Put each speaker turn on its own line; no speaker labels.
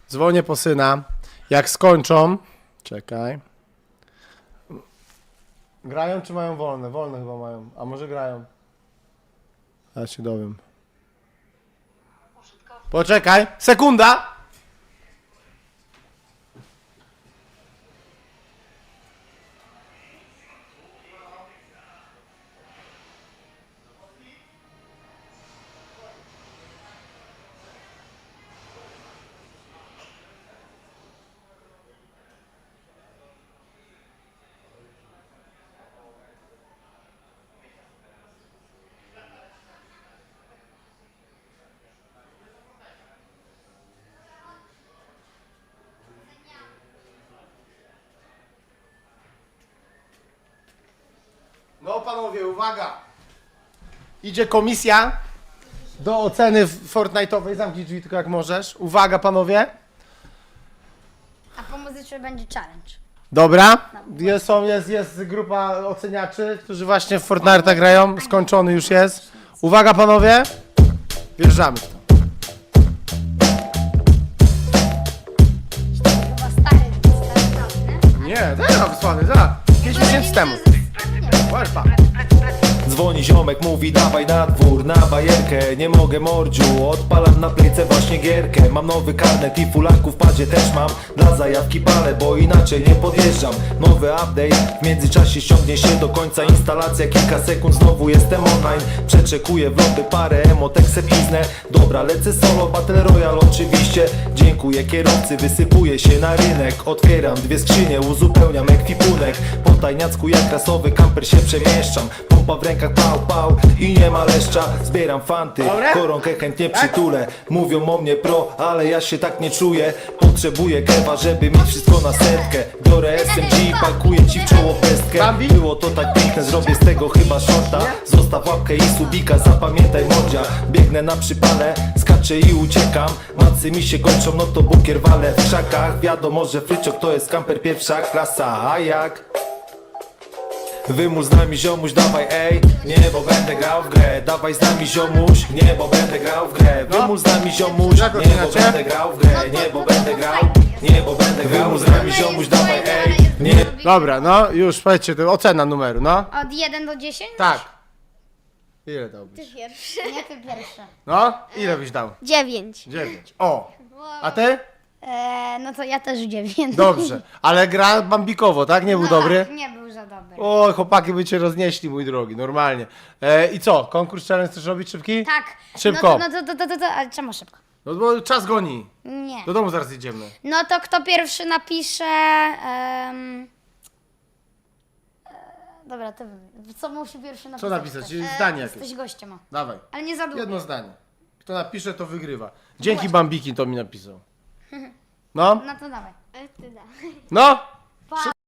Dzwonię po syna. Jak skończą... Czekaj. Grają czy mają wolne? Wolne chyba mają. A może grają? Ja się dowiem. Poczekaj. Sekunda! No panowie, uwaga! Idzie komisja do oceny Fortnite'owej. Zamknij drzwi tylko jak możesz. Uwaga panowie.
A po muzyce będzie challenge.
Dobra. Jest grupa oceniaczy, którzy właśnie w Fortnite'a grają. Skończony już jest. Uwaga panowie. Wjeżdżamy w to.
Chyba stary,
Nie, teraz wysłany, zaraz. 5 miesięcy temu. Łelpa.
Dzwoni ziomek, mówi dawaj na dwór, na bajerkę. Nie mogę mordziu, odpalam na playce właśnie gierkę. Mam nowy karnet i fulaków w padzie też mam. Dla zajawki palę, bo inaczej nie podjeżdżam. Nowy update, w międzyczasie ściągnie się do końca instalacja. Kilka sekund, znowu jestem online. Przeczekuję vlogy, parę emotek se piznę. Dobra, lecę solo, battle royale oczywiście. Dziękuję kierowcy, wysypuję się na rynek. Otwieram dwie skrzynie, uzupełniam ekwipunek. Po tajniacku jak rasowy kamper się przemieszczam. Pompa w rękach, pał, pał i nie ma leszcza. Zbieram fanty, koronkę chętnie przytulę. Mówią o mnie pro, ale ja się tak nie czuję. Potrzebuję kewa, żeby mieć wszystko na setkę. Biorę SMG, pakuję ci w czoło pestkę. Było to tak piękne, zrobię z tego chyba shorta. Zostaw łapkę i subika, zapamiętaj mordzia. Biegnę na przypale, skaczę i uciekam. Macy mi się kończą, no to bukier walę w krzakach. Wiadomo, że fryczok to jest kamper pierwsza klasa, a jak? Wymusz z nami ziomuś, dawaj ej. Nie, bo będę grał w grę. Dawaj z nami ziomuś. Nie, bo będę grał w grę. Wymusz z nami ziomuś. Nie, bo będę grał w grę. Nie, bo będę grał. Nie, bo będę grał. Wymusz z nami ziomuś, dawaj ej. Nie.
Dobra, no już powiedzcie, to ocena numeru, no.
Od 1 do 10?
Tak. Ile dałbyś?
Pierwszy. Nie, ty pierwszy.
No, ile byś dał?
9.
9. O! A ty?
No to ja też 9.
Dobrze. Ale gra bambikowo, tak? Nie był dobry?
Tak, nie był za dobry.
O, chłopaki by cię roznieśli, mój drogi, normalnie. I co? Konkurs challenge chcesz robić szybki?
Tak.
Szybko.
No to, ale czemu szybko?
No bo czas goni.
Nie.
Do domu zaraz jedziemy.
No to kto pierwszy napisze... Dobra, ty co musi pierwszy napisać?
Co napisać?
Ktoś?
Zdanie jakieś.
Jesteś gościem, o.
Dawaj.
Ale nie za długo.
Jedno zdanie. Kto napisze, to wygrywa. Dzięki Bambiki to mi napisał. No?
No to dawaj.
No?